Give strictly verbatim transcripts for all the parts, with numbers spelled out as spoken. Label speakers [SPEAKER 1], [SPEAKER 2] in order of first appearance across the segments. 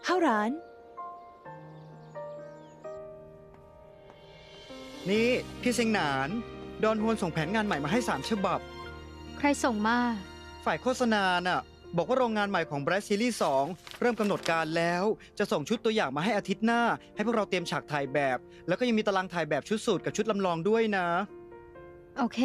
[SPEAKER 1] ข้าวร้าน
[SPEAKER 2] นี่พี่เซิงหนานดอนฮวนส่งแผนงานใหม่มาให้สามฉบับ
[SPEAKER 3] ใครส่งมา
[SPEAKER 2] ฝ่ายโฆษณาน่ะบอกว่าโรงงานใหม่ของ Bright Series สองเริ่มกำหนดการแล้วจะส่งชุดตัวอย่างมาให้อาทิตย์หน้าให้พวกเราเตรียมฉากถ่ายแบบแล้วก็ยังมีตารางถ่ายแบบชุดสูทกับชุดลำลองด้วยนะ
[SPEAKER 3] โอเค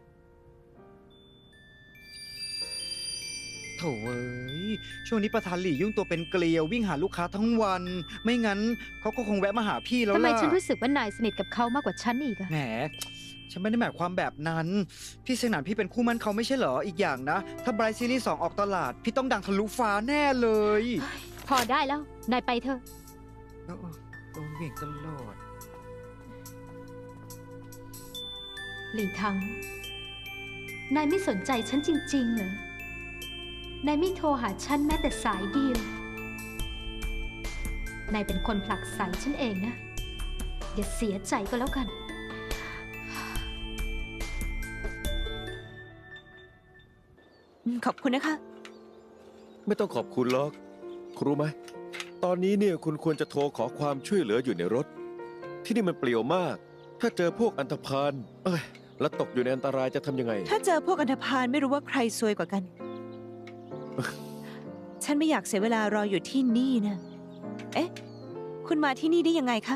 [SPEAKER 2] โถ่เอ้ยช่วงนี้ประธานหลี่ยุ่งตัวเป็นเกลียววิ่งหาลูกค้าทั้งวันไม่งั้นเขาก็คงแวะมาหาพี่แล้วล่ะ
[SPEAKER 3] ทำไมฉันรู้สึกว่านายสนิทกับเขามากกว่าฉันอีกอะ
[SPEAKER 2] แหมฉันไม่ได้หมายความแบบนั้นพี่เซิงหนานพี่เป็นคู่มั่นเขาไม่ใช่เหรออีกอย่างนะถ้า Bright Series สองออกตลาดพี่ต้องดังทะลุฟ้าแน่เลย
[SPEAKER 3] พอได้แล้วนายไปเถอะ
[SPEAKER 2] โอ้โดนเหวี่ยงตลอด
[SPEAKER 3] หลี่ทังนายไม่สนใจฉันจริงๆเหรอนายไม่โทรหาฉันแม้แต่สายเดียวนายเป็นคนผลักไสฉันเองนะอย่าเสียใจก็แล้วกัน
[SPEAKER 1] ขอบคุณนะคะ
[SPEAKER 4] ไม่ต้องขอบคุณหรอกคุณรู้ไหมตอนนี้เนี่ยคุณควรจะโทรขอความช่วยเหลืออยู่ในรถที่นี่มันเปลี่ยวมากถ้าเจอพวกอันธพาลเอ้ยแล้วตกอยู่ในอันตรายจะทำยังไง
[SPEAKER 1] ถ้าเจอพวกอันธพาลไม่รู้ว่าใครซวยกว่ากัน ฉันไม่อยากเสียเวลารออยู่ที่นี่นะเอ๊ะคุณมาที่นี่ได้ยังไงคะ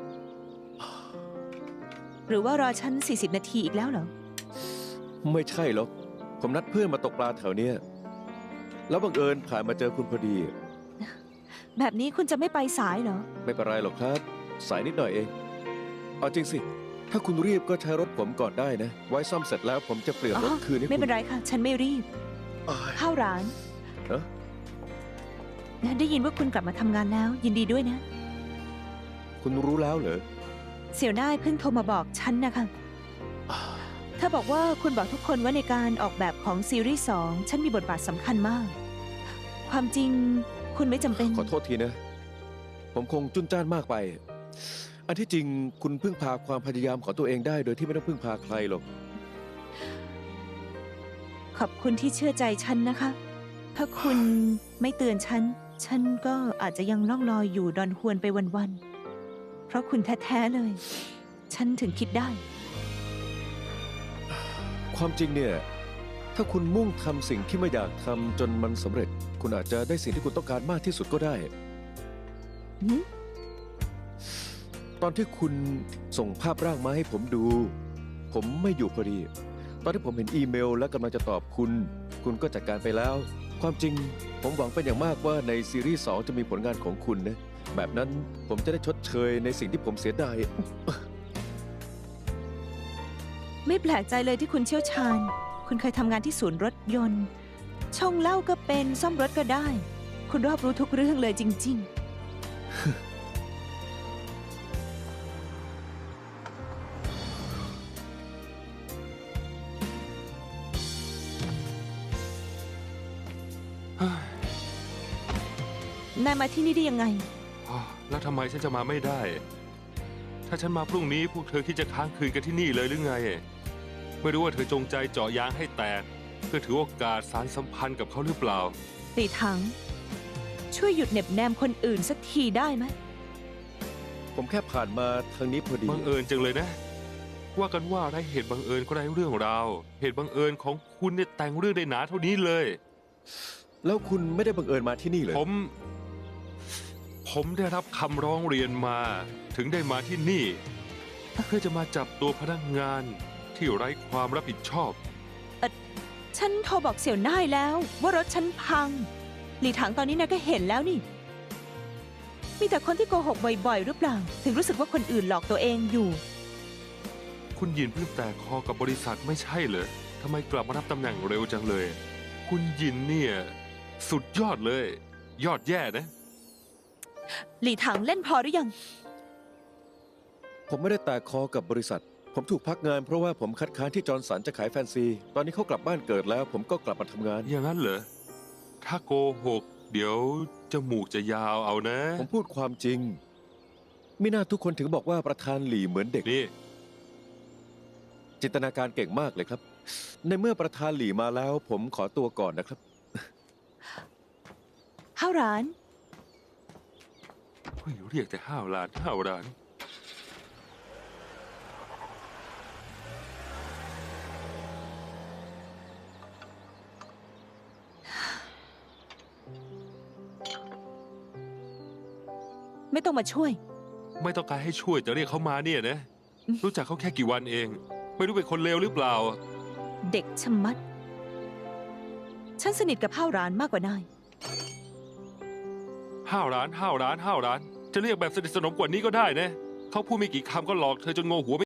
[SPEAKER 1] หรือว่ารอฉันสี่สิบนาทีอีกแล้วเหรอ
[SPEAKER 4] ไม่ใช่หรอกผมนัดเพื่อนมาตกปลาแถวเนี้ยแล้วบังเอิญผ่านมาเจอคุณพอดี
[SPEAKER 1] แบบนี้คุณจะไม่ไปสายเหรอ
[SPEAKER 4] ไม่เป็นไรหรอกครับสายนิดหน่อยเองเอาจริงสิถ้าคุณรีบก็ใช้รถผมก่อนได้นะไว้ซ่อมเสร็จแล้วผมจะเปลี่ยนรถคืนให้คุณ
[SPEAKER 1] ไม่เป็นไรค่ะฉันไม่รีบเข้าร้าน
[SPEAKER 4] เออ
[SPEAKER 1] ได้ยินว่าคุณกลับมาทำงานแล้วยินดีด้วยนะ
[SPEAKER 4] คุณรู้แล้วเหรอ
[SPEAKER 1] เสี่ยวน่ายเพิ่งโทรมาบอกฉันนะคะเธอบอกว่าคุณบอกทุกคนว่าในการออกแบบของซีรีส์สองฉันมีบทบาทสำคัญมากความจริงคุณไม่จำเป็น
[SPEAKER 4] ขอโทษทีนะผมคงจุนจ้านมากไปอันที่จริงคุณพึ่งพาความพยายามของตัวเองได้โดยที่ไม่ต้องพึ่งพาใครหรอก
[SPEAKER 1] ขอบคุณที่เชื่อใจฉันนะคะถ้าคุณไม่เตือนฉันฉันก็อาจจะยังล่องลอยอยู่ดอนฮวนไปวันๆเพราะคุณแท้ๆเลยฉันถึงคิดได้
[SPEAKER 4] ความจริงเนี่ยถ้าคุณมุ่งทำสิ่งที่ไม่อยากทำจนมันสำเร็จคุณอาจจะได้สิ่งที่คุณต้องการมากที่สุดก็ได้ตอนที่คุณส่งภาพร่างมาให้ผมดูผมไม่อยู่พอดีตอนที่ผมเห็นอีเมลและกำลังจะตอบคุณคุณก็จัดการไปแล้วความจริงผมหวังเป็นอย่างมากว่าในซีรีส์สองจะมีผลงานของคุณนะแบบนั้นผมจะได้ชดเชยในสิ่งที่ผมเสียดาย
[SPEAKER 1] ไม่แปลกใจเลยที่คุณเชี่ยวชาญคุณเคยทำงานที่ศูนย์รถยนต์ช่องเหล้าก็เป็นซ่อมรถก็ได้คุณรอบรู้ทุกเรื่องเลยจริงๆนายมาที่นี่ได้ยังไง
[SPEAKER 5] แล้วทำไมฉันจะมาไม่ได้ถ้าฉันมาพรุ่งนี้พวกเธอคิดจะค้างคืนกันที่นี่เลยหรือไงไม่รู้ว่าเธอจงใจเจาะยางให้แตกเพื่อถือโอกาสสานสัมพันธ์กับเขาหรือเปล่า
[SPEAKER 1] ตีถังช่วยหยุดเหน็บแนมคนอื่นสักทีได้ไหม
[SPEAKER 4] ผมแค่ผ่านมาทางนี้พอดี
[SPEAKER 5] บังเอิญจังเลยนะว่ากันว่าได้เหตุบังเอิญก็ได้เรื่องราวเหตุบังเอิญของคุณเนี่ยแต่งเรื่องได้หนาเท่านี้เลย
[SPEAKER 4] แล้วคุณไม่ได้บังเอิญมาที่นี่เลย
[SPEAKER 5] ผมผมได้รับคำร้องเรียนมาถึงได้มาที่นี่เพื่อจะมาจับตัวพนักงานที่ไร้ความรับผิดชอบ
[SPEAKER 1] เออฉันโทรบอกเสี่ยวน่ายแล้วว่ารถฉันพังหลี่ถังตอนนี้นายก็เห็นแล้วนี่มีแต่คนที่โกหกบ่อยๆหรือเปล่าถึงรู้สึกว่าคนอื่นหลอกตัวเองอยู่
[SPEAKER 5] คุณยินเพิ่งแตกคอกับบริษัทไม่ใช่เหรอทำไมกลับมารับตำแหน่งเร็วจังเลยคุณยินเนี่ยสุดยอดเลยยอดแย่นะ
[SPEAKER 1] หลี่ถังเล่นพอหรือยัง
[SPEAKER 4] ผมไม่ได้แตกคอกับบริษัทผมถูกพักงานเพราะว่าผมคัดค้านที่จอร์นสันจะขายแฟนซีตอนนี้เขากลับบ้านเกิดแล้วผมก็กลับมาทำงาน
[SPEAKER 5] อย่างนั้นเหรอถ้าโกหกเดี๋ยวจมูกจะยาวเอานะ
[SPEAKER 4] ผมพูดความจริงไม่น่าทุกคนถึงบอกว่าประธานหลี่เหมือนเด็ก
[SPEAKER 5] นี่
[SPEAKER 4] จินตนาการเก่งมากเลยครับในเมื่อประธานหลี่มาแล้วผมขอตัวก่อนนะครับ
[SPEAKER 1] ข้าวร้าน
[SPEAKER 5] เรียกแต่ห้าวร้านห้าวร้าน
[SPEAKER 1] ไม่ต้องมาช่วย
[SPEAKER 5] ไม่ต้องการให้ช่วยแต่เรียกเขามาเนี่ยนะ รู้จักเขาแค่กี่วันเอง ไม่รู้เป็นคนเลวหรือเปล่า
[SPEAKER 1] เด็กชะมัด ฉันสนิทกับห้าวร้านมากกว่านาย
[SPEAKER 5] ห้าวร้านห้าวร้านห้าวร้าน จะเรียกแบบสนิทสนมกว่านี้ก็ได้นะ เขาพูดไม่กี่คำก็หลอกเธอจนโงหัว